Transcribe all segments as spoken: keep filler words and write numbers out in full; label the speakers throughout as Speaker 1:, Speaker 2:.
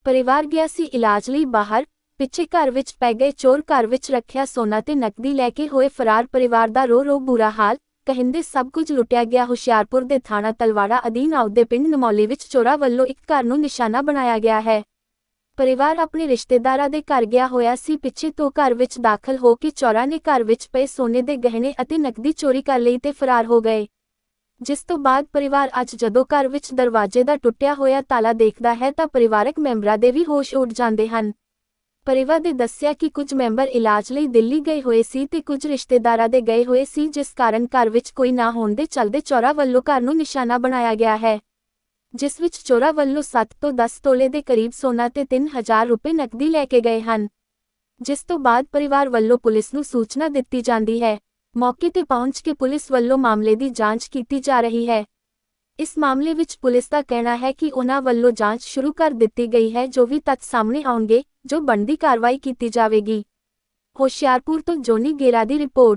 Speaker 1: परिवार गया सी इलाज लई बाहर, पिछे घर विच पै गए चोर। घर विच रखिया सोना ते नकदी लैके होए फरार। परिवार दा रो रो बुरा हाल, कहिंदे सब कुछ लुटिया गया। हुशियारपुर दे थाणा तलवाड़ा अधीन आउदे पिंड नमौली विच चोरा वल्लों एक घर नूं निशाना बनाया गया है। परिवार अपने रिश्तेदारां दे घर गया होया सी। पिछे तो घर विच दाखल हो के चोरां ने घर विच पए सोने दे गहने अते नकदी चोरी कर लई ते फरार हो गए। जिस तो बाद परिवार अज जदों घर विच दरवाजे दा टुटिया होया ताला देखदा है तां परिवारक मैंबरां दे भी होश उड़ जांदे हन। परिवार दे दस्सिया कि कुछ मैंबर इलाज लई दिल्ली गए होए सी ते कुछ रिश्तेदारां दे गए होए सी, जिस कारण घर विच कोई ना होण दे चलदे चोरा वल्लों घर नूं निशाना बनाया गया है, जिस विच चोरा वल्लों सत्त तो दस तोले दे करीब सोना ते तीन हज़ार रुपए नकदी लैके गए हन। जिस तो बाद परिवार वल्लों पुलिस नूं सूचना दित्ती जांदी है। मौके ते पहुंच के पुलिस वल्लों मामले दी जांच कीती जा रही है। इस मामले विच पुलिस का कहना है कि उन्हां वल्लों जांच शुरू कर दित्ती गई है। जो भी तथ्य सामने आउणगे, जो बनदी कार्रवाई कीती जावेगी। होशियारपुर तो जोनी गेरा दी रिपोर्ट।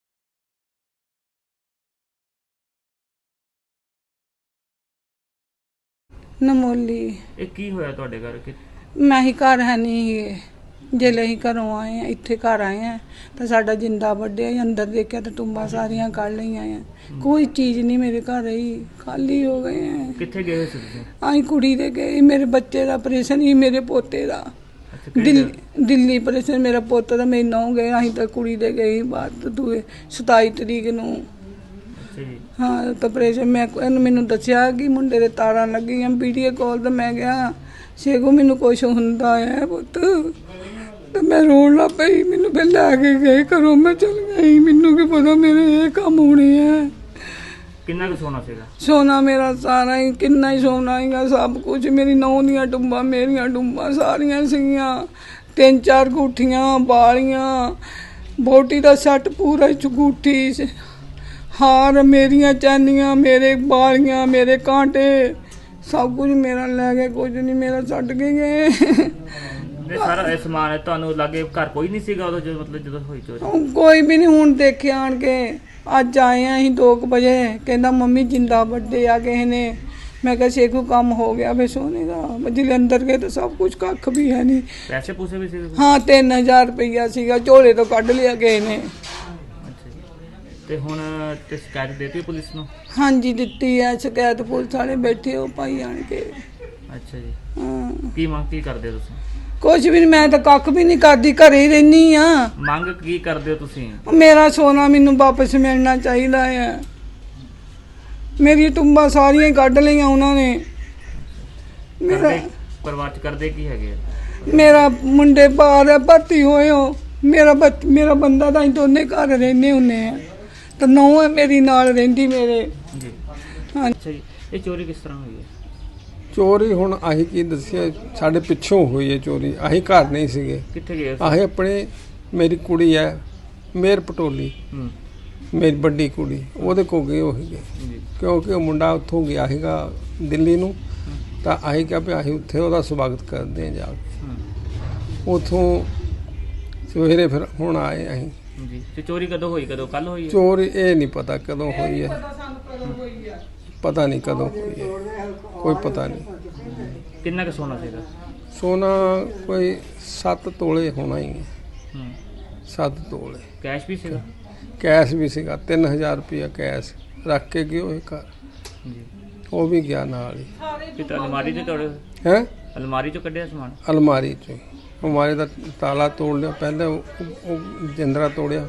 Speaker 2: नमोली
Speaker 3: ਇਹ ਕੀ ਹੋਇਆ ਤੁਹਾਡੇ ਘਰ ਕਿ
Speaker 2: मैं ही घर है नहीं जेले ही घरों आए हैं, इत्थे घर आए हैं तो साडा जिंदा वड्डे अंदर देखा तो टुंबा सारियां कढ़ लईआं हैं। कोई चीज़ नहीं मेरे घर रही, खाली हो गए हैं।
Speaker 3: ਕਿੱਥੇ ਗਏ ਹੋਏ ਸੀ ਤੁਸੀਂ?
Speaker 2: आई कुड़ी दे गए, मेरे बच्चे का ऑपरेशन ही मेरे पोते का
Speaker 3: ਅੱਛਾ ਕਿਹੜੀ
Speaker 2: दिल्ली
Speaker 3: जगह?
Speaker 2: दिल्ली ऑपरेशन मेरा पोता था, मेरी नौ गए। अं तो कुड़ी दे गई बात दूए सताई तरीक नूं।
Speaker 3: ਅੱਛਾ ਜੀ।
Speaker 2: हाँ तो ऑपरेशन मैं मैनू दसिया कि मुंडे दे तारां लगियां। वीडियो कॉल तो मैं गया शेखू मैनू कुछ हुंदा है पुत, तो मैं रोन लग पई। मैनू फिर लैके गए घरों, मैं चल गई। मैनू की पता मेरे ये काम होने हैं।
Speaker 3: ਕਿੰਨਾ ਕੁ ਸੋਨਾ ਸੀਗਾ?
Speaker 2: सोना मेरा सारा ही किन्ना ही सोना ही सब कुछ। मेरी नौ दियां टुंबां मेरियां टुंबां सारियां सीगियां, तीन चार गुठियां बालियां, बोटी का सैट पूरा चुगूठी, हार मेरियां चैनियां, मेरे बालियां, मेरे कांटे सब कुछ मेरा लै गए। कुछ नहीं मेरा छड्ड के गए।
Speaker 3: ਇਹ ਸਾਰਾ ਇਹ ਸਮਾਨ ਤੁਹਾਨੂੰ ਲੱਗੇ ਘਰ ਕੋਈ ਨਹੀਂ ਸੀਗਾ ਉਦੋਂ ਜਦੋਂ ਮਤਲਬ ਜਦੋਂ ਹੋਈ ਚੋਰੀ?
Speaker 2: कोई भी नहीं हुण देखिया आण के। अज आए हैं अं दो बजे, कहना मम्मी जिंदा बड्डे आ किसी ने। मैं कहा शेखू काम हो गया फिर सोने का। जिले अंदर गए तो सब कुछ कख भी है नहीं।
Speaker 3: ਪੈਸੇ ਪੂਸੇ ਵੀ ਸੀਗੇ?
Speaker 2: हाँ तीन हज़ार रुपया सीगा, झोले तो कढ़ लिया किसी ने।
Speaker 3: ਅੱਛਾ ਜੀ। ਤੇ ਹੁਣ ਤੇ ਸ਼ਿਕਾਇਤ ਦੇਤੀ ਪੁਲਿਸ ਨੂੰ?
Speaker 2: हाँ जी दिती है शिकायत, पुलिस वाले बैठे हो पाई आण के।
Speaker 3: ਅੱਛਾ ਜੀ।
Speaker 2: हाँ
Speaker 3: ਕੀ ਮੰਗ ਕੀ ਕਰਦੇ ਹੋ ਤੁਸੀਂ?
Speaker 2: कुछ भी नहीं, मैं तो कख भी नहीं करती, घरे ही रहनी हाँ।
Speaker 3: ਮੰਗ ਕੀ ਕਰਦੇ ਹੋ ਤੁਸੀਂ?
Speaker 2: मेरा सोना मैनू वापस मिलना चाहिए है। मेरी टुंबा सारियां ही कढ़ लिया उन्होंने। मेरा
Speaker 3: ਕਰਦੇ ਪਰਿਵਾਰ ਚ ਕਰਦੇ ਕੀ ਹੈਗੇ ਆ?
Speaker 2: मेरा मुंडे बाहर है भर्ती होए हो। मेरा बच मेरा बंदा तो अं दोने घर रहने होने हैं, तो नौ है मेरी नाल रहिंदी मेरे।
Speaker 3: ਜੀ।
Speaker 2: हाँ
Speaker 3: ਅੱਛਾ ਜੀ। ਇਹ ਚੋਰੀ ਕਿਸ ਤਰ੍ਹਾਂ ਹੋਈ ਹੈ?
Speaker 4: ਚੋਰੀ ਹੁਣ ਆਹੀ ਕੀ ਦੱਸਿਆ, ਸਾਡੇ ਪਿੱਛੋਂ ਹੋਈ ਹੈ ਚੋਰੀ। ਆਹੀ ਘਰ ਨਹੀਂ ਸੀਗੇ,
Speaker 3: ਕਿੱਥੇ ਗਏ ਸੀ?
Speaker 4: ਆਹੀ ਆਪਣੇ ਮੇਰੀ ਕੁੜੀ ਹੈ ਮੇਰ ਪਟੋਲੀ,
Speaker 3: ਹੂੰ
Speaker 4: ਮੇਰੀ ਵੱਡੀ ਕੁੜੀ, ਉਹਦੇ ਕੋਲ ਗਏ ਉਹ ਸੀਗੇ।
Speaker 3: ਜੀ।
Speaker 4: ਕਿਉਂਕਿ ਉਹ ਮੁੰਡਾ ਉੱਥੋਂ ਗਿਆ ਸੀਗਾ ਦਿੱਲੀ ਨੂੰ, ਤਾਂ ਆਹੀ ਕਿਹਾ ਵੀ ਅਸੀਂ ਉੱਥੇ ਉਹਦਾ ਸਵਾਗਤ ਕਰਦੇ ਹਾਂ ਜਾ ਕੇ।
Speaker 3: ਹੂੰ
Speaker 4: ਉੱਥੋਂ ਸਵੇਰੇ ਫਿਰ ਹੁਣ ਆਏ ਅਸੀਂ।
Speaker 3: ਜੀ। ਤੇ ਚੋਰੀ ਕਦੋਂ ਹੋਈ? ਕਦੋਂ? ਕੱਲ ਹੋਈ ਹੈ?
Speaker 4: ਚੋਰੀ ਇਹ ਨਹੀਂ ਪਤਾ ਕਦੋਂ ਹੋਈ ਹੈ, ਪਤਾ ਨਹੀਂ ਕਦੋਂ ਹੋਈ ਹੈ, ਕੋਈ ਪਤਾ ਨਹੀਂ।
Speaker 3: ਕਿੰਨਾ ਕੁ ਸੋਨਾ ਸੀਗਾ?
Speaker 4: ਸੋਨਾ ਕੋਈ ਸੱਤ ਤੋਲੇ ਹੋਣਾ ਹੀ ਹੈ,
Speaker 3: ਹੂੰ
Speaker 4: ਸੱਤ ਤੋਲੇ।
Speaker 3: ਕੈਸ਼ ਵੀ ਸੀਗਾ?
Speaker 4: ਕੈਸ਼ ਵੀ ਸੀਗਾ, ਤਿੰਨ ਹਜ਼ਾਰ ਰੁਪਇਆ ਕੈਸ਼ ਰੱਖ ਕੇ ਗਏ ਉਹ ਘਰ,
Speaker 3: ਜੀ।
Speaker 4: ਉਹ ਵੀ ਗਿਆ ਨਾਲ ਹੀ।
Speaker 3: ਤੇ ਤਾਂ ਅਲਮਾਰੀ ਚੋਂ ਤੋੜੇ?
Speaker 4: ਹੈ
Speaker 3: ਅਲਮਾਰੀ ਚੋਂ ਕੱਢਿਆ ਸਮਾਨ?
Speaker 4: ਅਲਮਾਰੀ ਚੋਂ, ਅਲਮਾਰੀ ਦਾ ਤਾਲਾ ਤੋੜ ਲਿਆ ਪਹਿਲਾਂ, ਉਹ ਉਹ ਜਿੰਦਰਾ ਤੋੜਿਆ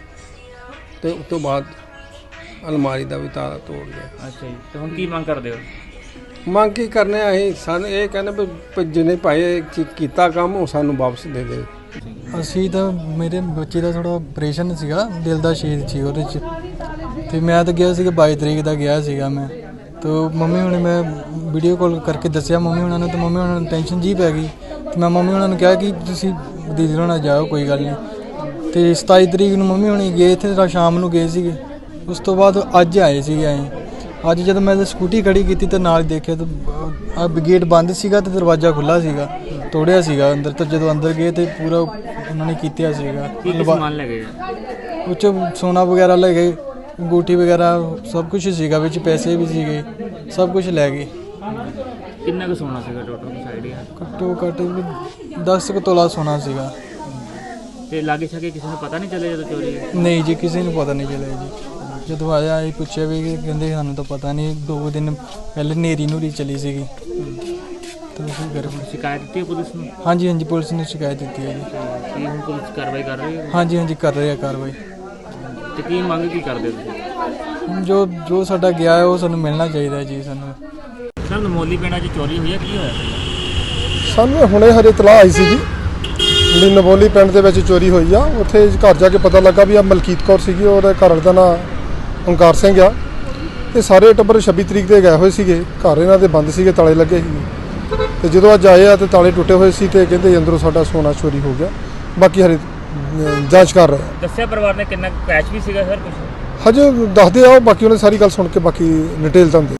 Speaker 4: ਤੇ ਉਸ ਤੋਂ ਬਾਅਦ ਅਲਮਾਰੀ ਦਾ ਵੀ ਤਾਲਾ ਤੋੜ ਲਿਆ।
Speaker 3: ਅੱਛਾ ਜੀ। ਤੇ ਹੁਣ ਕੀ ਮੰਗ ਕਰਦੇ ਹੋ?
Speaker 4: ਮੰਗ ਕੀ ਕਰਨੇ ਆ ਅਸੀਂ? ਸਾਨੂੰ ਇਹ ਕਹਿੰਦੇ ਵੀ ਵੀ ਜਿਹਨੇ ਭਾਈ ਇਹ ਕੀ- ਕੀਤਾ ਕੰਮ ਉਹ ਸਾਨੂੰ ਵਾਪਸ ਦੇ ਦੇ।
Speaker 5: ਅਸੀਂ ਤਾਂ ਮੇਰੇ ਬੱਚੇ ਦਾ ਥੋੜਾ ਆਪਰੇਸ਼ਨ ਸੀਗਾ, ਦਿਲ ਦਾ ਛੇਦ ਸੀ ਉਹਦੇ 'ਚ, ਤੇ ਮੈਂ ਤਾਂ ਗਿਆ ਸੀਗਾ ਬਾਈ ਤਰੀਕ ਦਾ ਗਿਆ ਸੀਗਾ ਮੈਂ। ਤੋ ਮੰਮੀ ਹੁਣੇ ਮੈਂ ਵੀਡੀਓ ਕਾਲ ਕਰਕੇ ਦੱਸਿਆ ਮੰਮੀ ਉਹਨਾਂ ਨੂੰ, ਤੇ ਮੰਮੀ ਉਹਨਾਂ ਨੂੰ ਟੈਨਸ਼ਨ ਜੀ ਪੈ ਗਈ। ਤੇ ਮੈਂ ਮੰਮੀ ਉਹਨਾਂ ਨੂੰ ਕਿਹਾ ਕਿ ਤੁਸੀਂ ਦੀਦੀ ਹੋਣਾ ਜਾਓ, ਕੋਈ ਗੱਲ ਨਹੀਂ। ਤੇ ਸਤਾਈ ਤਰੀਕ ਨੂੰ ਮੰਮੀ ਹੁਣੀ ਗਏ ਇੱਥੇ, ਤਾਂ ਸ਼ਾਮ ਨੂੰ ਗਏ ਸੀਗੇ। ਉਸ ਤੋਂ ਬਾਅਦ ਅੱਜ ਆਏ ਸੀਗੇ ਅਸੀਂ। ਅੱਜ ਜਦੋਂ ਮੈਂ ਸਕੂਟੀ ਖੜੀ ਕੀਤੀ ਤਾਂ ਨਾਲ ਦੇਖਿਆ ਤਾਂ ਆ ਗੇਟ ਬੰਦ ਸੀਗਾ ਤੇ ਦਰਵਾਜ਼ਾ ਖੁੱਲ੍ਹਾ ਸੀਗਾ, ਤੋੜਿਆ ਸੀਗਾ ਅੰਦਰ। ਤਾਂ ਜਦੋਂ ਅੰਦਰ ਗਏ ਤੇ ਪੂਰਾ ਉਹਨਾਂ ਨੇ ਕੀਤਾ ਸੀਗਾ।
Speaker 3: ਕੀ ਕੀ ਸਮਾਨ ਲੈ ਗਏ ਆ?
Speaker 5: ਉਹ 'ਚ ਸੋਨਾ ਵਗੈਰਾ ਲੈ ਗਏ, ਅੰਗੂਠੀ ਵਗੈਰਾ ਸਭ ਕੁਝ ਸੀਗਾ, ਵਿੱਚ ਪੈਸੇ ਵੀ ਸੀਗੇ, ਸਭ ਕੁਝ ਲੈ ਗਏ।
Speaker 3: ਕਿੰਨਾ ਕੁ ਸੋਨਾ ਸੀਗਾ ਟੋਟਲ ਸਾਈਡ?
Speaker 5: ਘੱਟੋ ਘੱਟ ਦਸ ਕੁ ਤੋਲਾ ਸੋਨਾ ਸੀਗਾ।
Speaker 3: ਤੇ ਲਾਗੇ ਛਾਗੇ ਕਿਸੇ ਨੂੰ ਪਤਾ ਨਹੀਂ ਚੱਲਿਆ ਜਦੋਂ ਚੋਰੀ ਹੋਈ?
Speaker 5: ਨਹੀਂ ਜੀ, ਕਿਸੇ ਨੂੰ ਪਤਾ ਨਹੀਂ ਚੱਲਿਆ ਜੀ। ਜਦੋਂ ਆਇਆ ਇਹ ਪੁੱਛਿਆ ਵੀ ਕਿ ਕਹਿੰਦੇ ਸਾਨੂੰ ਤਾਂ ਪਤਾ ਨਹੀਂ, ਦੋ ਦਿਨ ਪਹਿਲੇ ਨੇਰੀ ਨੂਰੀ ਚਲੀ ਸੀਗੀ ਤਾਂ ਅਸੀਂ ਘਰ।
Speaker 3: ਸ਼ਿਕਾਇਤ ਦਿੱਤੀ ਹੈ ਪੁਲਿਸ ਨੂੰ?
Speaker 5: ਹਾਂਜੀ ਹਾਂਜੀ, ਪੁਲਿਸ ਨੇ ਸ਼ਿਕਾਇਤ ਦਿੱਤੀ ਹੈ ਜੀ।
Speaker 3: ਕੀ ਹੁਣ ਪੁਲਿਸ ਕਾਰਵਾਈ ਕਰ ਰਹੀ ਹੈ?
Speaker 5: ਹਾਂਜੀ ਹਾਂਜੀ, ਕਰ ਰਹੇ ਆ ਕਾਰਵਾਈ।
Speaker 3: ਤੇ ਕੀ ਮੰਗ ਕੀ ਕਰਦੇ ਹੋ ਤੁਸੀਂ?
Speaker 5: ਹੁਣ ਜੋ ਜੋ ਸਾਡਾ ਗਿਆ ਹੈ ਉਹ ਸਾਨੂੰ ਮਿਲਣਾ ਚਾਹੀਦਾ ਜੀ। ਸਾਨੂੰ
Speaker 3: ਸਰ ਨਮੋਲੀ ਪਿੰਡਾਂ 'ਚ ਚੋਰੀ ਹੋਈ ਹੈ, ਕੀ ਹੋਇਆ ਸੀ?
Speaker 6: ਸਾਨੂੰ ਹੁਣੇ ਹਰੇ ਇਤਲਾਹ ਆਈ ਸੀਗੀ ਵੀ ਨਵੋਲੀ ਪਿੰਡ ਦੇ ਵਿੱਚ ਚੋਰੀ ਹੋਈ ਆ। ਉੱਥੇ ਘਰ ਜਾ ਕੇ ਪਤਾ ਲੱਗਾ ਵੀ ਆ ਮਲਕੀਤ ਕੌਰ ਸੀਗੀ, ਉਹਦੇ ਘਰ ਵਾਲੇ ਦਾ ਨਾਂ ਓਂਕਾਰ ਸਿੰਘ ਆ। ਇਹ ਸਾਰੇ ਟੱਬਰ ਛੱਬੀ ਤਰੀਕ ਦੇ ਗਏ ਹੋਏ ਸੀਗੇ, ਘਰ ਇਹਨਾਂ ਦੇ ਬੰਦ ਸੀਗੇ, ਤਾਲੇ ਲੱਗੇ ਸੀ। ਤੇ ਜਦੋਂ ਅੱਜ ਆਏ ਆ ਤੇ ਤਾਲੇ ਟੁੱਟੇ ਹੋਏ ਸੀ ਤੇ ਕਹਿੰਦੇ ਅੰਦਰੋਂ ਸਾਡਾ ਸੋਨਾ ਚੋਰੀ ਹੋ ਗਿਆ। ਬਾਕੀ ਹਰੇ ਜਾਂਚ ਕਰ ਰਹੇ ਆ।
Speaker 3: ਦੱਸਿਆ ਪਰਿਵਾਰ ਨੇ ਕਿੰਨਾ ਕੈਸ਼ ਵੀ ਸੀਗਾ ਸਰ ਕੁਝ?
Speaker 6: ਹਜੇ ਦੱਸਦੇ ਆ, ਬਾਕੀ ਉਹਨੇ ਸਾਰੀ ਗੱਲ ਸੁਣ ਕੇ ਬਾਕੀ ਡਿਟੇਲ ਤਾਂ